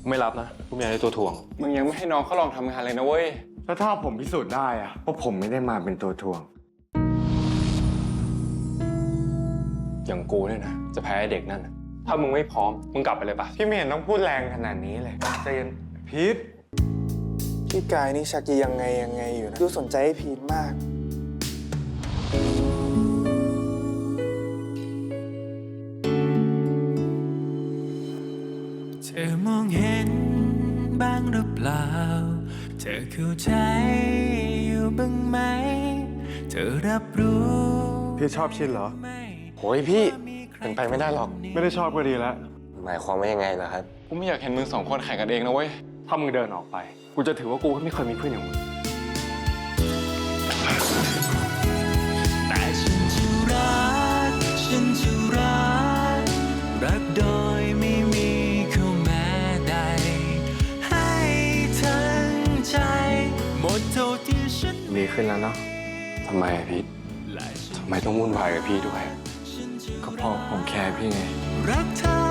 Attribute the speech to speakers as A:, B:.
A: ไม่รับนะกูไม่อยากได้ตัวถ่วง
B: มึงยังไม่ให้น้องเขาลองทำงานเลยนะเว้ย
C: แล้วถ้าผมพิสูจน์ได้อะว่าผมไม่ได้มาเป็นตัวถ่วง
A: อย่างกูเนี่ยนะจะแพ้เด็กนั่นถ้ามึงไม่พร้อมมึงกลับไปเลยปะ
C: พี่ไม่เห็นต้องพูดแรงขนาดนี้เลยใจเย็นพีท
D: พี่กายนี่ชักจะยังไงอยู่นะดูสนใจให้พีทมาก
E: เธอมองเห็นบ้างหรือเปล่าเธอเข้าใจอยู่บ้างไหมเธอรับรู้
C: พี่ชอบชินเหรอ
A: โอ้ยพี่เป็นไปไม่ได้หรอก
C: ไม่ได้ชอบก็ดีแล้ว
A: หมายความว่ายังไงล่ะครับ
B: กูไม่อยากเห็นมึง2 คนแข่งกันเองนะเว้ย
A: ถ้ามึงเดินออกไปกูจะถือว่ากูไม่เคยมีเพื่อนอย่างมึง
E: แต่ฉันจะรักรักโดยไม่มีข้อแม้ใดให้ทั้งใจหมดเท่าที่ฉัน
C: ดีขึ้นแล้วเนาะ
A: ทำไมพี่ทำไมต้องวุ่นวายกับพี่ด้วย
C: ก็เพราะผมแคร์พี่ไง
E: รักเธอ